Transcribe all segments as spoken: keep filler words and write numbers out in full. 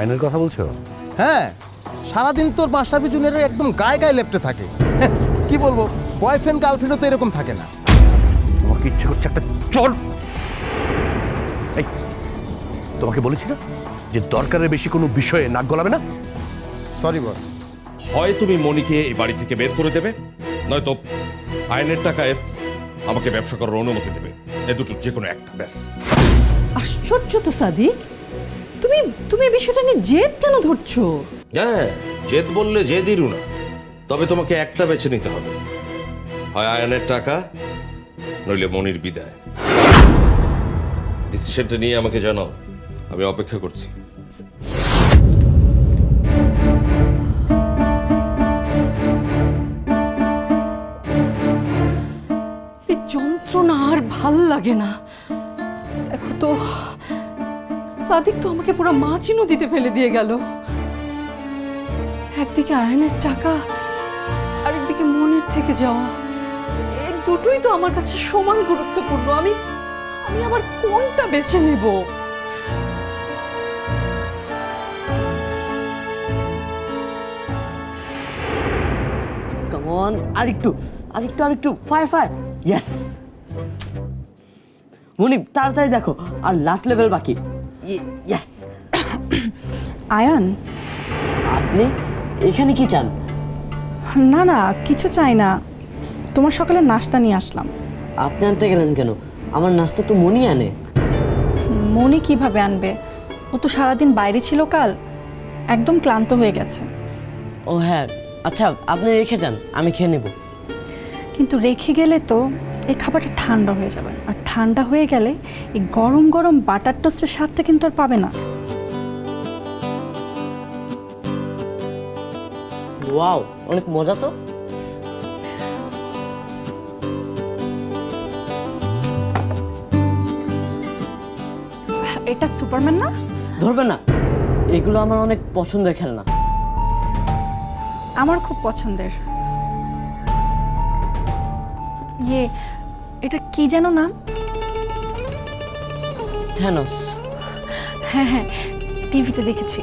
আয়নের কথা বলছো? হ্যাঁ, সারাদিন তোর মাস্টারপি জুনিয়রের একদম গায়ে গায়ে লেপটে থাকে। কি বলবো, বয়ফ্রেন্ড গার্লফ্রেন্ডও তো এরকম থাকে না। তোমাকে ইচ্ছে করছে একটা চল। এই তোমাকে বলেছি না যে দরকারের বেশি কোনো বিষয়ে নাক গলাবে না। Sorry boss. হয় তুমি মনিকে এই বাড়ি থেকে বের করে দেবে, নয়তো আইনের টাকায় আমাকে ব্যবসা করার অনুমতি দেবে। এ দুটোর যে কোনো একটা, ব্যাস। আশ্চর্য তো সাদিক, তুমি তুমি এই বিষয়টা নিয়ে জেদ কেন ধরছো? হ্যাঁ, জেদ বললে জেদিরও না, তবে তোমাকে একটা বেছে নিতে হবে, হয় আয়নের টাকা নইলে মনির বিদায়। ডিসিশনটা নিয়ে আমাকে জানাও, আমি অপেক্ষা করছি। এই যন্ত্রণা আর ভাল লাগে না। দেখো তো, সাদিক তো আমাকে পুরো মাছি নদীতে ফেলে দিয়ে গেল। একদিকে আয়নের টাকা, আরেকদিকে মনের থেকে যাওয়া, এই দুটোই তো আমার কাছে সমান গুরুত্বপূর্ণ। আমি আমি আবার কোনটা বেছে নেব? কাম অন, আরেকটু আরেকটু আরেকটু ফায়ার ফায়ার, ইয়েস। মনি তাড়াতাড়ি দেখো, আর লাস্ট লেভেল বাকি। ইয়েস। আয়ান, আপনি এখানে কি চান? না না কিছু চাই না, তোমার সকালে নাস্তা নিয়ে আসলাম। আপনি আনতে গেলেন কেন? আমার নাস্তা তো মনি আনে। মনি কিভাবে আনবে? ও তো সারাদিন বাইরে ছিল কাল, একদম ক্লান্ত হয়ে গেছে। ও হ্যাঁ, আচ্ছা আপনি রেখে যান, আমি খেয়ে নেব। কিন্তু রেখে গেলে তো এই খাবারটা ঠান্ডা হয়ে যাবে, আর ঠান্ডা হয়ে গেলে এই গরম গরম বাটার টোস্টের স্বাদটা কিন্তু আর পাবে না। ওয়াও, অনেক মজা তো। এটা সুপারম্যান না? ধরবে না, এগুলো আমার অনেক পছন্দের খেলনা। আমার খুব পছন্দের। ইয়ে, এটা কি যেন নাম? থ্যানোস। হ্যাঁ হ্যাঁ, টিভিতে দেখেছি।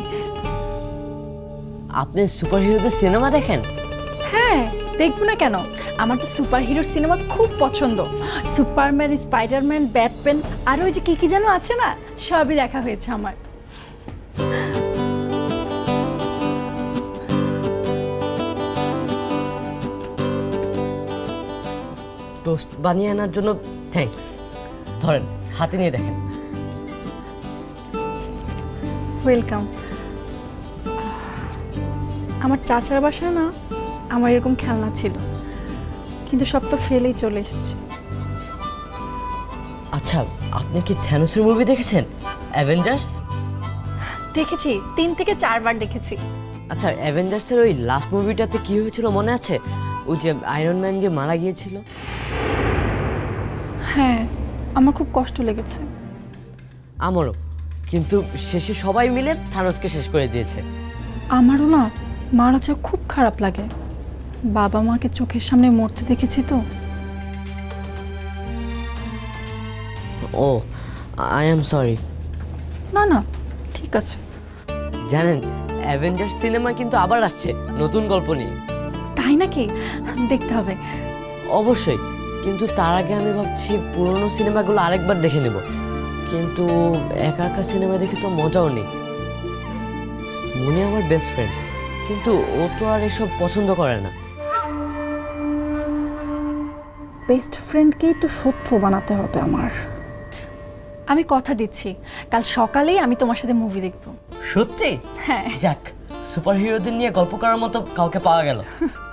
আপনি সুপারহিরোদের সিনেমা দেখেন? হ্যাঁ, দেখবো না কেন? আমার তো সুপার হিরোর সিনেমা খুব পছন্দ। সুপারম্যান, স্পাইডারম্যান, ব্যাটম্যান, আর ওই যে কি কি যেন আছে না, সবই দেখা হয়েছে আমার। টোস্ট বানিয়ে আনার জন্য থ্যাঙ্কস। ধরেন, হাতে নিয়ে দেখেন। ওয়েলকাম। আমার চাচার বাসায় না আমার এরকম খেলনা ছিল, কিন্তু সব তো ফেলেই চলে এসেছে। আচ্ছা, আপনি কি থ্যানোসের মুভি দেখেছেন, অ্যাভেঞ্জার্স? দেখেছি, তিন থেকে চারবার দেখেছি। আচ্ছা, অ্যাভেঞ্জার্সের ওই লাস্ট মুভিটাতে কি হয়েছিল মনে আছে? ওই যে আয়রন ম্যান যে মারা গিয়েছিল। হ্যাঁ, আমার খুব কষ্ট লেগেছে। আমারও, কিন্তু শেষে সবাই মিলে থানোসকে শেষ করে দিয়েছে। আমারও না, মারা যা খুব খারাপ লাগে। বাবা মাকে চোখের সামনে মরতে দেখেছি তো। ও, আই এম সরি। না না, ঠিক আছে। জানেন, অ্যাভেঞ্জার্স সিনেমা কিন্তু আবার আসছে নতুন গল্প নিয়ে। তাই নাকি? দেখতে হবে। অবশ্যই, কিন্তু তার আগে আমি ভাবছি পুরনো সিনেমাগুলো আরেকবার দেখে নেব। কিন্তু একা একা সিনেমা দেখে তো মজাও নেই। মনে আমার বেস্ট ফ্রেন্ড, কিন্তু ও তো আর এসব পছন্দ করে না। বেস্ট ফ্রেন্ডকেই তো শত্রু বানাতে হবে আমার। আমি কথা দিচ্ছি, কাল সকালেই আমি তোমার সাথে মুভি দেখব। সত্যি? হ্যাঁ। যাক, সুপার হিরোদের নিয়ে গল্প করার মতো কাউকে পাওয়া গেল।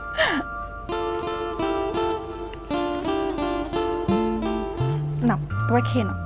না, এবার খেয়ে নাও।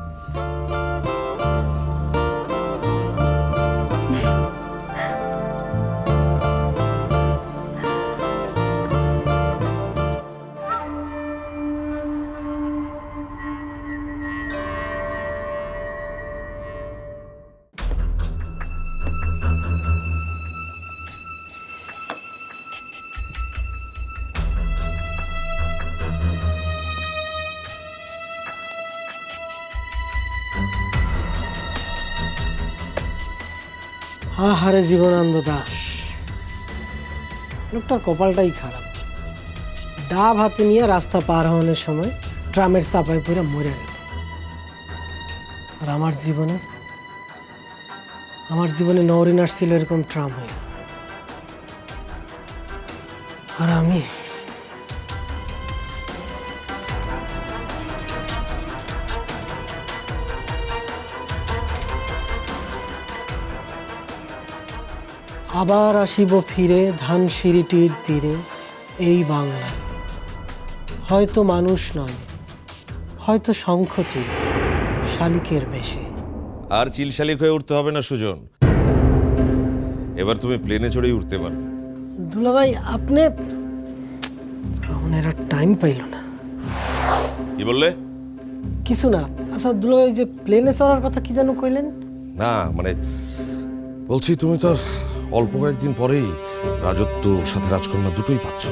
আহারে জীবনানন্দ দাস, লোকটার কপালটাই খারাপ। ডাব হাতে নিয়ে রাস্তা পার হওয়ানোর সময় ট্রামের চাপায় পড়ে মরে গেল। আর আমার জীবনে আমার জীবনে নওরিন আসছিল এরকম ট্রাম হয়ে, আর আমি আবার আসিব ফিরে ধানসিঁড়িটির তীরে এই বাংলায়, হয়তো মানুষ নয়, হয়তো শঙ্খচিল শালিকের বেশে। আর চিল শালিক হয়ে উঠতে হবে না সুজন, এবার তুমি প্লেনে চড়েই উঠতে পারবে। দুলাভাই আপনি এরা টাইম পাইল না। কি বললে? কিছু না। আচ্ছা দুলাভাই, যে প্লেনে চড়ার কথা কি যেন কইলেন? না মানে বলছি, তুমি তো আর অল্প কয়েকদিন পরেই রাজত্ব সাথে রাজকন্যা দুটোই পাচ্ছ।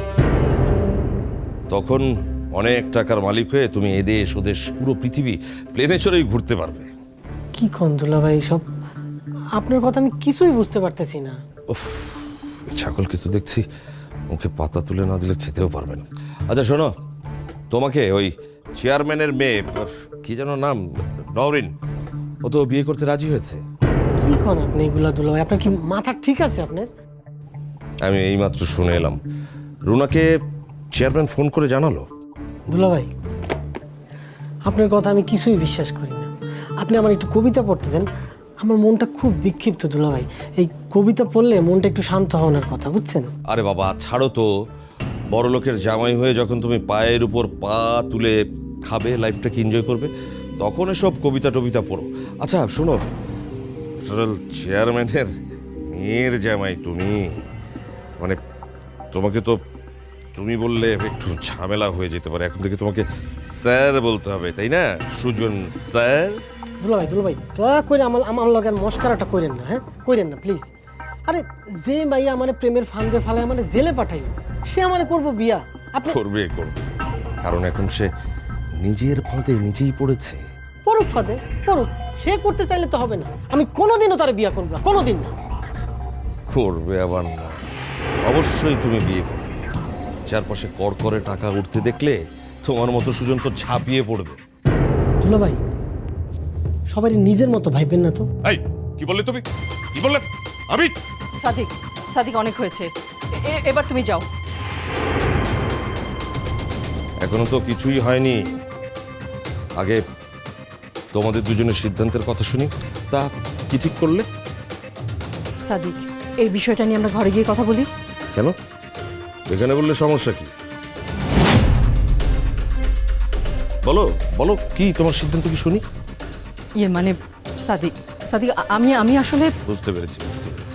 তখন অনেক টাকার মালিক হয়ে তুমি এদেশ ওদেশ পুরো পৃথিবী প্লেনে চড়েই ঘুরতে পারবে। কি কোন দুলাভাই সব? আপনার কথা আমি কিছুই বুঝতে পারতেছি না। উফ, এই ছাগলকে তো দেখছি মুখে পাতা তুলে না দিলে খেতেও পারবে না। আচ্ছা শোনো, তোমাকে ওই চেয়ারম্যানের মেয়ে, কি যেন নাম, নওরিন, ও তো বিয়ে করতে রাজি হয়েছে। কি কোন আপনি এগুলা দুলাভাই? আপনার কি মাথা ঠিক আছে আপনার? আমি এইমাত্র শুনে এলাম, রুনাকে চেয়ারম্যান ফোন করে জানালো। দুলাভাই আপনার কথা আমি কিছুই বিশ্বাস করি না। আপনি আমার একটু কবিতা পড়তে দেন, আমার মনটা খুব বিক্ষিপ্ত দুলাভাই। এই কবিতা পড়লে মনটা একটু শান্ত হওয়ার কথা, বুঝছেন? আরে বাবা ছাড়ো তো, বড় লোকের জামাই হয়ে যখন তুমি পায়ের উপর পা তুলে খাবে, লাইফটাকে এনজয় করবে, তখন এসব কবিতা টবিতা পড়ো। আচ্ছা শোনো, চেয়ারম্যানের মেয়ের জামাই তুমি, মানে তোমাকে তো তুমি বললে একটু ঝামেলা হয়ে যেতে পারে। এখন থেকে তোমাকে স্যার বলতে হবে, তাই না সুজন স্যার? দুলাভাই দুলাভাই দয়া করে আমার আমার লগের মস্কারাটা করেন না, হ্যাঁ করেন না প্লিজ। আরে যে মাইয়া আমার প্রেমের ফান্দে ফালায় আমার জেলে পাঠাইল, সে আমার করবো বিয়া? আপনি করবে করবে, কারণ এখন সে নিজের ফাঁদে নিজেই পড়েছে। পড়ুক ফাঁদে পড়ুক, সে করতে চাইলে তো হবে না। আমি কোনোদিনও তার বিয়া করবো না, কোনোদিন না। করবে আবার না? অবশ্যই তুমি বিয়ে করবে। চারপাশে করকরে টাকা উঠতে দেখলে তোমার মতো সুজন তো ঝাঁপিয়ে পড়বে। দুলাভাই সবাই নিজের মতো ভাইবেন না তো। এই কি বললে তুমি? কি বললে? আমি সাদিক, সাদিক অনেক হয়েছে, এ- এবার তুমি যাও। এখনো তো কিছুই হয়নি, আগে তোমাদের দুজনের সিদ্ধান্তের কথা শুনি। তা কি ঠিক করলে? সাদিক, এই বিষয়টা নিয়ে আমরা ঘরে গিয়ে কথা বলি। কেন? এখানে বললে সমস্যা কি? বলো বলো, কি তোমার সিদ্ধান্ত কি শুনি। ইয়ে মানে সাদিক, সাদিক আ- আমি আমি আসলে বুঝতে পেরেছি বুঝতে পেরেছি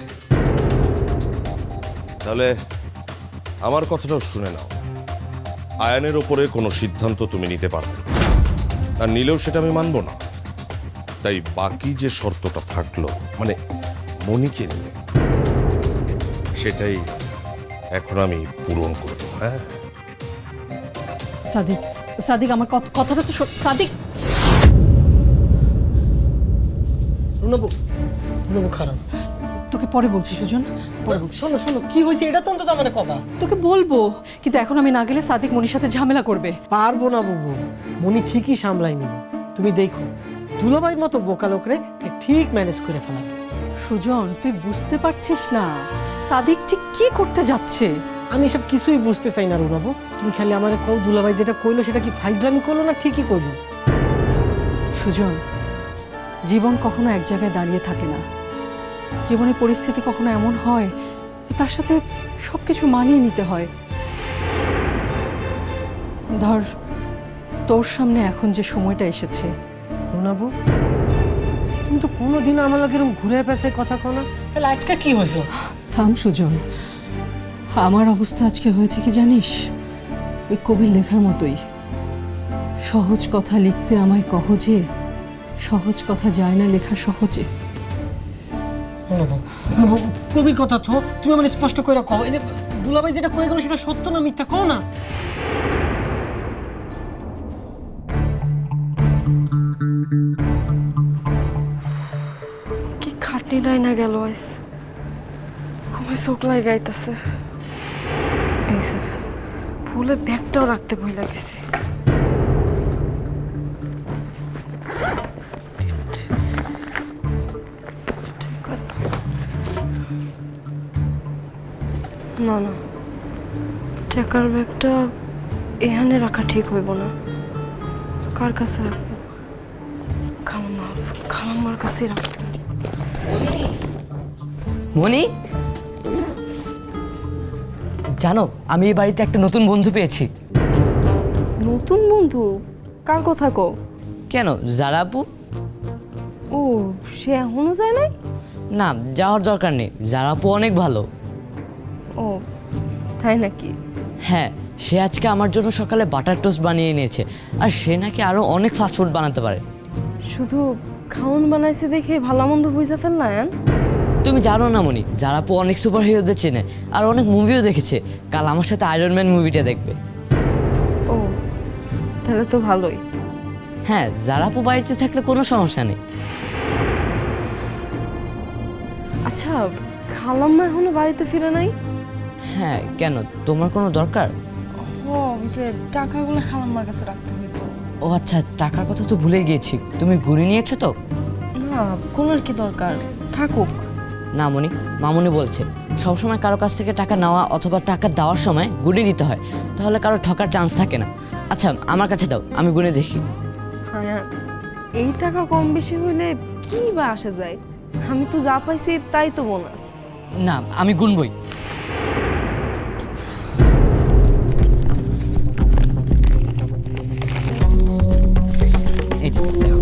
তাহলে আমার কথাটাও শুনে নাও। আয়ানের ওপরে কোনো সিদ্ধান্ত তুমি নিতে পারবে না, আর নিলেও সেটা আমি মানব না। তাই বাকি যে শর্তটা থাকলো, মানে মনিকে নিয়ে, সেটাই এখন আমি পূরণ করব। হ্যাঁ সাদিক, সাদিক আমার কত- কথাটা তো শোন- সাদিক। রুনবু রুনবু খারাপ। তোকে পরে বলছি সুজন, পরে বলছি। শোনো শোনো, কি হয়েছে এটা তো অন্তত আমার কবা। তোকে বলবো, কিন্তু এখন আমি না গেলে সাদিক মনির সাথে ঝামেলা করবে। পারবো না বুবু, মনি ঠিকই সামলাই নিব। তুমি দেখো দুলাভাইয়ের মতো বোকা লোকরে কে ঠিক ম্যানেজ করে ফেলাবে। সুজন তুই বুঝতে পারছিস না সাদিক ঠিক কি করতে যাচ্ছে। আমি এসব কিছুই বুঝতে চাই না রুনাবু, তুমি খালি আমার কও দুলাভাই যেটা কইলো সেটা কি ফাইজলামি করলো না ঠিকই কইলো? সুজন, জীবন কখনো এক জায়গায় দাঁড়িয়ে থাকে না। জীবনের পরিস্থিতি কখনো এমন হয় যে তার সাথে সবকিছু মানিয়ে নিতে হয়। ধর তোর সামনে এখন যে সময়টা এসেছে, রুনাবু তুমি তো কোনোদিনও আমার লগে এরকম ঘুরে পেঁচায় কথা কও না, তাহলে আজকে কি হয়েছে? থাম সুজন, আমার অবস্থা আজকে হয়েছে কি জানিস? ওই কবির লেখার মতোই, সহজ কথা লিখতে আমায় কহ যে, সহজ কথা যায় না লেখা সহজে। রুনাবু রুনাবু কবির কথা তো তুমি আমার স্পষ্ট করে কও। এই যে দুলাভাই যেটা কয়ে গেল সেটা সত্য না মিথ্যা কও না। কি খাটনি নাই না গেল আইস। আমার চোখ লাগাইতেছে। এই যে ফুলে ব্যাগটাও রাখতে ভয় লাগছে। না না, টাকার ব্যাগটা এখানে রাখা ঠিক হইব না। কার কাছে রাখবো? খালাম্মা, খালাম্মার কাছে রাখবো। মনি, জানো আমি এই বাড়িতে একটা নতুন বন্ধু পেয়েছি। নতুন বন্ধু? কার কথা কও? কেন, যারা আপু? ও, সে এখনো যায় নাই? না, যাওয়ার দরকার নেই, যারা আপু অনেক ভালো। ও তাই নাকি? হ্যাঁ, সে আজকে আমার জন্য সকালে বাটার টোস্ট বানিয়ে এনেছে, আর সে নাকি আরো অনেক ফাস্টফুড বানাতে পারে। শুধু খাওন বানাইছে দেখে ভালো মন্দ বুঝা ফেল না? তুমি জানো না মনি, যারা আপু অনেক সুপার হিরোদের চেনে আর অনেক মুভিও দেখেছে। কাল আমার সাথে আয়রন ম্যান মুভিটা দেখবে। ও তাহলে তো ভালোই। হ্যাঁ, যারা আপু বাড়িতে থাকলে কোনো সমস্যা নেই। আচ্ছা, খালাম্মা এখনো বাড়িতে ফিরে নাই? হ্যাঁ, কেন, তোমার কোনো দরকার? ও, যে টাকাগুলো খালাম্মার কাছে রাখতে হইতো। ও আচ্ছা, টাকার কথা তো ভুলে গিয়েছি। তুমি ঘুরে নিয়েছো তো? না, কোনোর কি দরকার, থাকুক। না মনি, মামুনি বলছে সবসময় কারো কাছ থেকে টাকা নেওয়া অথবা টাকা দেওয়ার সময় গুনে দিতে হয়, তাহলে কারো ঠকার চান্স থাকে না। আচ্ছা, আমার কাছে দাও, আমি গুনে দেখি। হ্যাঁ, এই টাকা কম বেশি হইলে কি বা আসে যায়? আমি তো যা পাইছি তাই তো বোনাস। না, আমি গুনবই। এই যে, দেখো।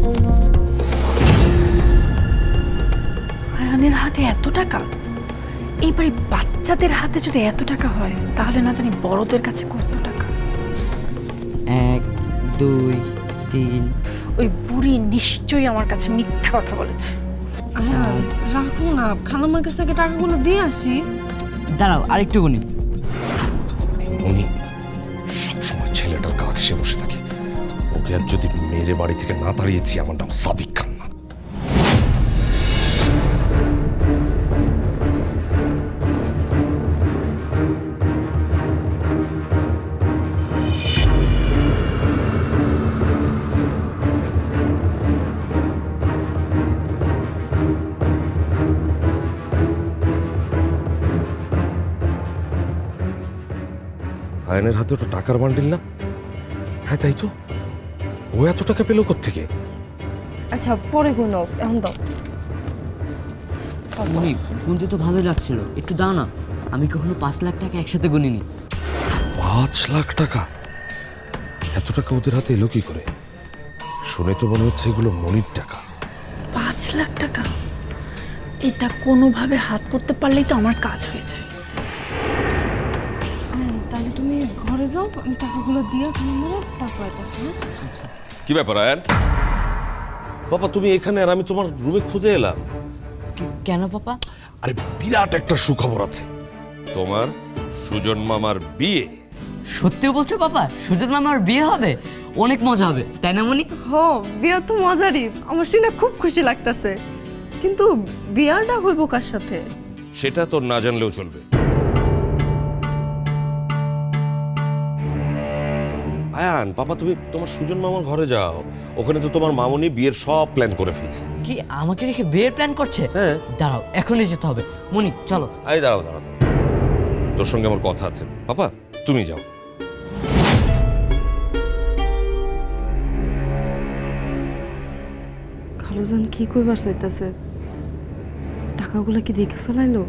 আয়ানের হাতে এত টাকা? এইবারে বাচ্চাদের হাতে যদি এত টাকা হয়, তাহলে না জানি বড়দের কাছে কত টাকা। এক, দুই, তিন। ওই বুড়ি নিশ্চয়ই আমার কাছে মিথ্যা কথা বলেছে। আচ্ছা রাখো না, খালাম্মার কাছে আগে টাকাগুলো দিয়ে আসি। দাঁড়াও, আরেকটু গুনি। উনি সবসময় ছেলেটার গা ঘেসে বসে থাকে। ওকে আর যদি মেরে বাড়ি থেকে না তাড়িয়েছি, আমার নাম সাদিক খান না। আয়নের হাতে ওটা টাকার বান্ডিল না? হ্যাঁ তাই তো। ও এত টাকা পেল কোত্থেকে? আচ্ছা পরে গুনো, এখন দাও। মনি, গুনতে তো ভালোই লাগছিল, একটু দাও না। আমি কখনো পাঁচ লাখ টাকা একসাথে গুনিনি। পাঁচ লাখ টাকা? এত টাকা ওদের হাতে এলো কি করে? শুনে তো মনে হচ্ছে এগুলো মনির টাকা। পাঁচ লাখ টাকা? এটা কোনোভাবে হাত করতে পারলেই তো আমার কাজ হয়ে যায়। তাহলে তুমি ঘরে যাও, আমি টাকাগুলো দিয়ে খালাম্মারে তারপর আইতাছি। কি ব্যাপার আয়ান? বাবা তুমি এখানে আর আমি তোমার রুমে খুঁজে এলাম। কে- কেন পাপা? আরে বিরাট একটা সুখবর আছে, তোমার সুজন মামার বিয়ে। সত্যি বলছো পাপা? সুজন মামার বিয়ে হবে? অনেক মজা হবে, তাই না মনি? হো, বিয়া তো মজারই, আমার শুনে খুব খুশি লাগতেছে। কিন্তু বিয়াটা হইব কার সাথে? সেটা তোর না জানলেও চলবে। আয়ান বাবা, তুমি তোমার সুজন মামার ঘরে যাও, ওখানে তো তোমার মামুনি বিয়ের সব প্ল্যান করে ফেলছে। কি আমাকে রেখে বিয়ের প্ল্যান করছে? হ্যাঁ। দাঁড়াও, এখনই যেতে হবে। মনি চলো। আরে দাঁড়াও দাঁড়াও দাঁড়াও। তোর সঙ্গে আমার কথা আছে। পাপা তুমি যাও। খালুজান কি কইবার চাইতাছে? টাকাগুলো কি দেখে ফেলাইলো?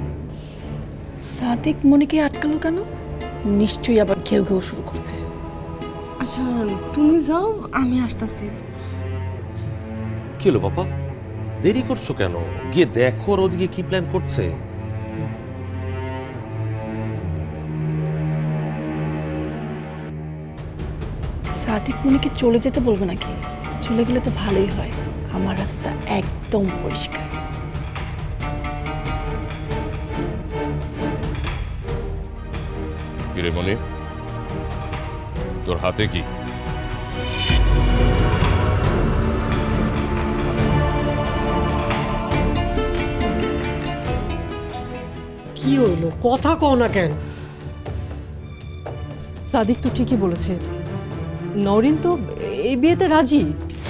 সাদিক মনিকে আটকালো কেন? নিশ্চয়ই আবার ঘেউ ঘেউ শুরু করবে। আচ্ছা তুমি যাও, আমি আসতেছি। কি হলো পাপা, দেরি করছো কেন? গিয়ে দেখো ওর ওদিকে কি প্ল্যান করছে। সাদিক মনিকে চলে যেতে বলবে নাকি? চলে গেলে তো ভালোই হয়, আমার রাস্তা একদম পরিষ্কার। কিরে মনি, তোর হাতে কি? কি হইলো কথা কও না কেন? সাদিক তো ঠিকই বলেছে, নরিন তো এই বিয়েতে রাজি।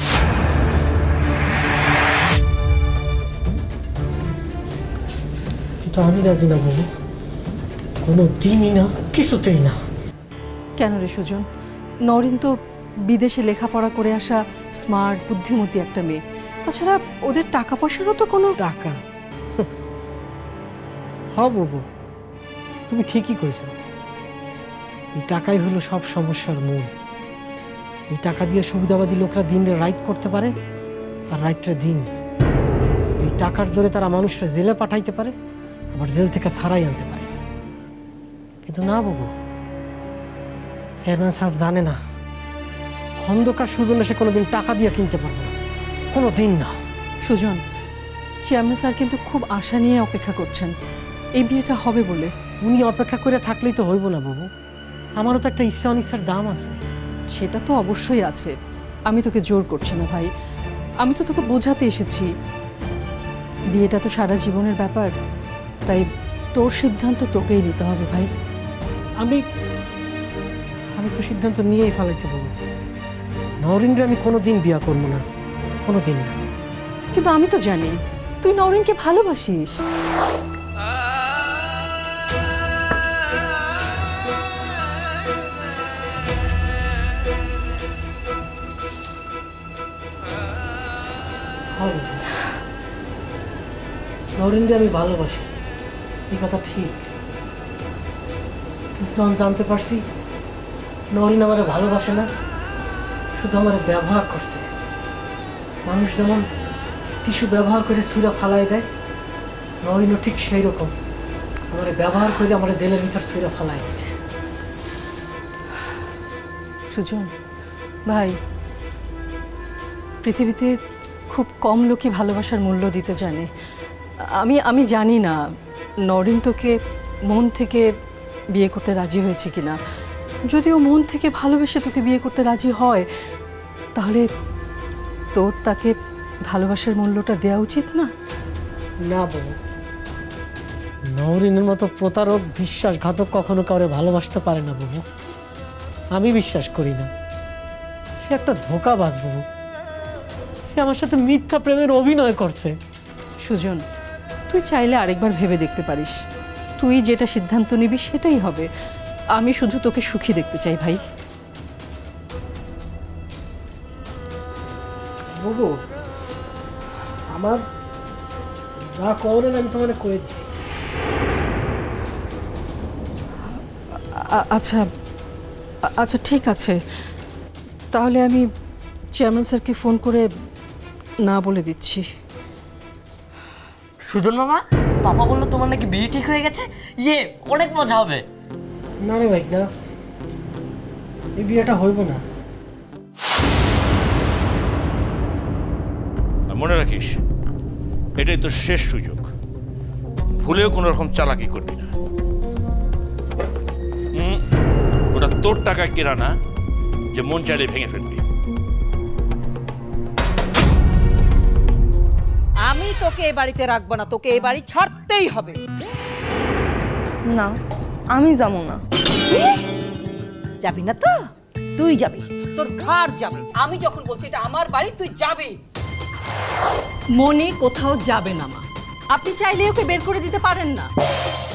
কিন্তু আমি রাজি না বাবু, কোনো দিনই না, কিছুতেই না। কেন রে সুজন? নরিন তো বিদেশে লেখাপড়া করে আসা স্মার্ট বুদ্ধিমতী একটা মেয়ে। তাছাড়া ওদের টাকা পয়সারও তো কোনো টাকা হ বাবু, তুমি ঠিকই কইছো। এই টাকাই হলো সব সমস্যার মূল। এই টাকা দিয়ে সুবিধাবাদী লোকরা দিন রাইট করতে পারে, আর রাইটরে দিন। এই টাকার জোরে তারা মানুষরা জেলে পাঠাইতে পারে, আবার জেল থেকে ছাড়াই আনতে পারে। কিন্তু না বাবু, চেয়ারম্যান সাহেব জানে না খন্দকার সুজনে সে কোনোদিন টাকা দিয়ে কিনতে পারবে না, কোনো দিন না। সুজন, চেয়ারম্যান স্যার কিন্তু খুব আশা নিয়ে অপেক্ষা করছেন এই বিয়েটা হবে বলে। উনি অপেক্ষা করে থাকলেই তো হইব না বাবু, আমারও তো একটা ইচ্ছা অনিচ্ছার দাম আছে। সেটা তো অবশ্যই আছে, আমি তোকে জোর করছি না ভাই, আমি তো তোকে বোঝাতে এসেছি বিয়েটা তো সারা জীবনের ব্যাপার, তাই তোর সিদ্ধান্ত তোকেই নিতে হবে ভাই। আমি আমি তো সিদ্ধান্ত নিয়েই ফেলাইছি বাবু, নরেন্দ্র আমি কোনোদিন বিয়া করবো না, কোনোদিন না। কিন্তু আমি তো জানি তুই নরেনকে ভালোবাসিস। নরেন্দ্র আমি ভালোবাসি, এই কথা ঠিক। কিন্তু যখন জানতে পারছি নরিন আমার ভালোবাসে না, শুধু আমার ব্যবহার করছে। মানুষ যেমন কিছু ব্যবহার করে ছুঁড়া ফালাই দেয়, নরিনও ঠিক সেই রকম আমার ব্যবহার করে আমার জেলের ভিতর ছুঁড়া ফালাই দিয়েছে। সুজন ভাই, পৃথিবীতে খুব কম লোকই ভালোবাসার মূল্য দিতে জানে। আমি আমি জানি না নরিন তোকে মন থেকে বিয়ে করতে রাজি হয়েছে কিনা। যদিও মন থেকে ভালোবেসে তোকে বিয়ে করতে রাজি হয়, তাহলে তোর তাকে ভালোবাসার মূল্যটা দেওয়া উচিত না? না বাবু, নরিনের মতো প্রতারক বিশ্বাসঘাতক কখনো কাউরে ভালোবাসতে পারে না বাবু, আমি বিশ্বাস করি না। সে একটা ধোঁকাবাজ বাবু, সে আমার সাথে মিথ্যা প্রেমের অভিনয় করছে। সুজন, তুই চাইলে আরেকবার ভেবে দেখতে পারিস, তুই যেটা সিদ্ধান্ত নিবি সেটাই হবে। আমি শুধু তোকে সুখী দেখতে চাই ভাই। বাবু, আমার যা করেন আমি তোমার করে দিচ্ছি। আ- আচ্ছা আ- আচ্ছা ঠিক আছে, তাহলে আমি চেয়ারম্যান স্যারকে ফোন করে না বলে দিচ্ছি। সুজন মামা, পাপা বললো তোমার নাকি বিয়ে ঠিক হয়ে গেছে, ইয়ে অনেক মজা হবে। না রে ভাই, না, এই বিয়েটা হইব না। আর মনে রাখিস, এটাই তোর শেষ সুযোগ, ভুলেও কোনো রকম চালাকি করবি না। হুম, ওটা তোর টাকা কেনা না যে মন চাইলে ভেঙে ফেলবি। আমি তোকে এ বাড়িতে রাখবো না, তোকে এ বাড়ি ছাড়তেই হবে। না, আমি যাবো না। যাবি না তো? তুই যাবি, তোর ঘর যাবে। আমি যখন বলছি এটা আমার বাড়ি, তুই যাবি। মনে কোথাও যাবে না মা, আপনি চাইলে ওকে বের করে দিতে পারেন না।